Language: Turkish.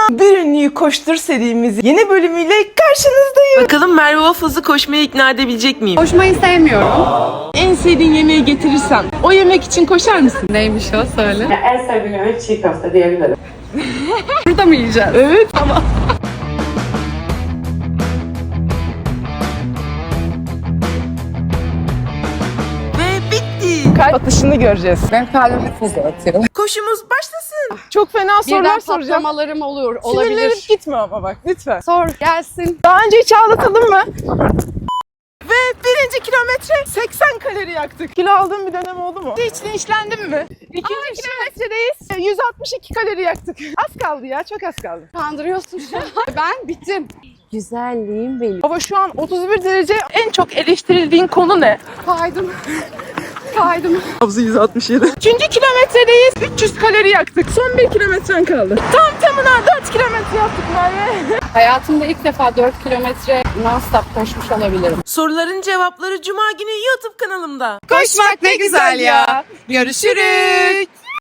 Bir Ünlüyü Koştur serimizin yeni bölümüyle karşınızdayım. Bakalım Merve Waffles'ı koşmaya ikna edebilecek miyim? Koşmayı sevmiyorum. En sevdiğin yemeği getirirsem o yemek için koşar mısın? Neymiş o, söyle. En sevdiğim yemek çiğ köfte diyebilirim. Burada mı yiyeceğiz? Evet ama. Ve bitti. Kalp atışını göreceğiz. Ben kalbimi hızlı atıyorum. Koşumuz başlasın. Çok fena sorular Birden soracağım. patlamalarım Sinirlerim olabilir. gitme ama bak lütfen. Sor gelsin. Daha önce hiç ağlatıldım mı? Ve birinci kilometre 80 kalori yaktık. Kilo aldığım bir dönem oldu mu? Hiç linçlendim mi? İkinci kilometredeyiz. 162 kalori yaktık. Az kaldı ya, çok az kaldı. Kandırıyorsun şu an. Ben bittim. Güzelliğim benim. Ama şu an 31 derece. En çok eleştirildiğin konu ne? Kaydım. Kaydım. Nabzı 167. Üçüncü kilometredeyiz. 300 kalori yaktık. Son 1 kilometren kaldı. Tam tamına 4 kilometre yaptık Merve. Hayatımda ilk defa 4 kilometre non-stop koşmuş olabilirim. Soruların cevapları Cuma günü YouTube kanalımda. Koşmak ne güzel ya. Görüşürüz.